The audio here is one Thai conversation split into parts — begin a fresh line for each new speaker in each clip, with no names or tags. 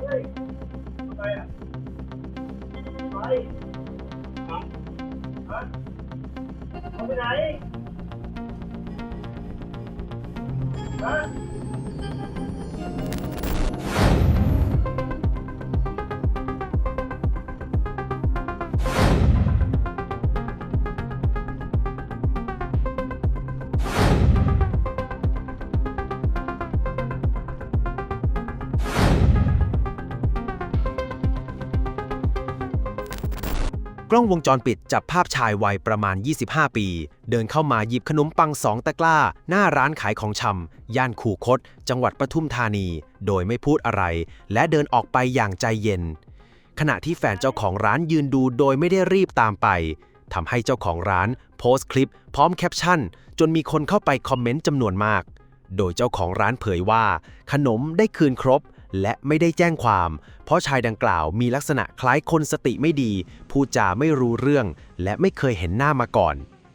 ไปอ่ะไปฮะเอาไปไหนฮะ
กล้องวงจรปิดจับภาพชายวัยประมาณ 25 ปี เดินเข้ามาหยิบขนมปัง2 ตะกร้าหน้าร้านขายของชำย่านคูคต จังหวัดปทุมธานี โดยไม่พูดอะไร และเดินออกไปอย่างใจเย็น ขณะที่แฟนเจ้าของร้านยืนดูโดยไม่ได้รีบตามไปทำให้เจ้าของร้านโพสต์คลิปพร้อมแคปชั่นจนมีคนเข้าไปคอมเมนต์จำนวนมาก โดยเจ้าของร้านเผยว่าขนมได้คืนครบและไม่ได้แจ้งความเพราะชายดังกล่าวมีลักษณะคล้ายคนสติไม่ดีพูดจาไม่รู้เรื่องและไม่เคยเห็นหน้ามาก่อน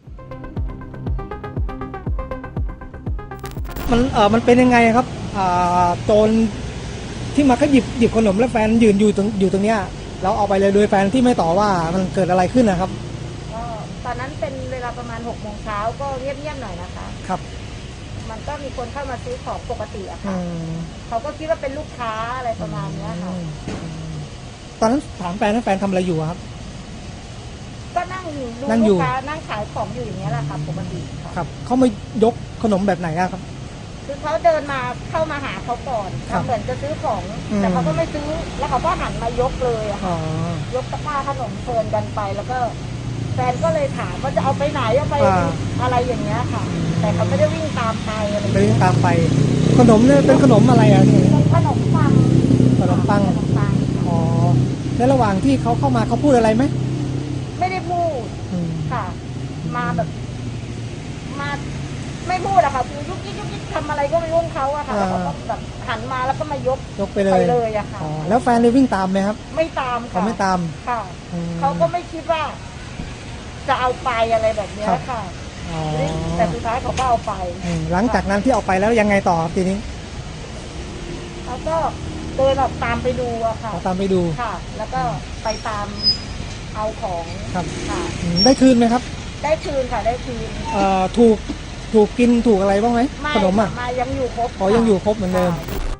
มันเป็นยังไงครับโจรที่มาก็หยิบขนมแล้วแฟนยืนอยู่ตรงเนี้ยเราเอาไปเลยโดยแฟนที่ไม่ต่อว่ามันเกิดอะไรขึ้นนะครับ
ก็ตอนนั้นเป็นเวลาประมาณ6 โมงเช้าก็เงียบๆหน่อยนะคะ
ครับ
มันก็มีคนเข้ามาซื้อของปกติอะค่ะเขาก็คิดว่าเป็นลูกค้าอะไรประมาณนี้ค่ะ
ตอนนั้นถามแฟนทำอะไรอยู่ครับ
ก็นั่งดูลูกค้านั่งขายของอยู่อย่างนี้ยแหละค่ะปกติ
ครับเขามายกขนมแบบไหนอะครับ
คือเขาเดินมาเข้ามาหาเขาก่อนเหมือนจะซื้อของแต่เขาก็ไม่ซื้อแล้วเขาก็หันมายกเลยอะค่ะยกตะกร้าขนมเพลินกันไปแล้วก็แฟนก็เลยถามว่าจะเอาไปไหนเอาไปอะไรอย่างเงี้ยค่ะแต่เขาไม่ได้วิ่งตามไปอะไรไม่
วิ่งตามไปขนมเนี่ยเป็นขนมอะไรอ่ะนี่
ขนมปัง
อ๋อในระหว่างที่เขาเข้ามาเขาพูดอะไรไหม
ไม่ได้พูดค่ะมาแบบมาไม่พูดอะค่ะคือยุกยิกทำอะไรก็ไม่รู้เขาอะค่ะแล้วเขาก็แบบหันมาแล้วก็มายก
ไปเลย
อะค่ะ
แล้วแฟนเลยวิ่งตามไหมครับ
ไม่ตาม
เขาไม่ตาม
ค่ะเขาก็ไม่คิดว่าจะเอาไปอะไรแบบนี้ค่ะแต่สุดท้ายเขาก็เอาไป
หลังจากนั้นที่เอาไปแล้วยังไงต่อทีนี้
แล้วก็เดินออกตามไปดูอะค่ะ
ตามไปดู
ค่ะแล้วก็ไปตามเอาของ
ครับค่ะได้คืนไหมครับ
ได้คืนค่ะได้คืน
ถูกกินถูกอะไรบ้างไหมขนมอะ
มายังอยู่ครบ
ยังอยู่ครบเหมือนเดิม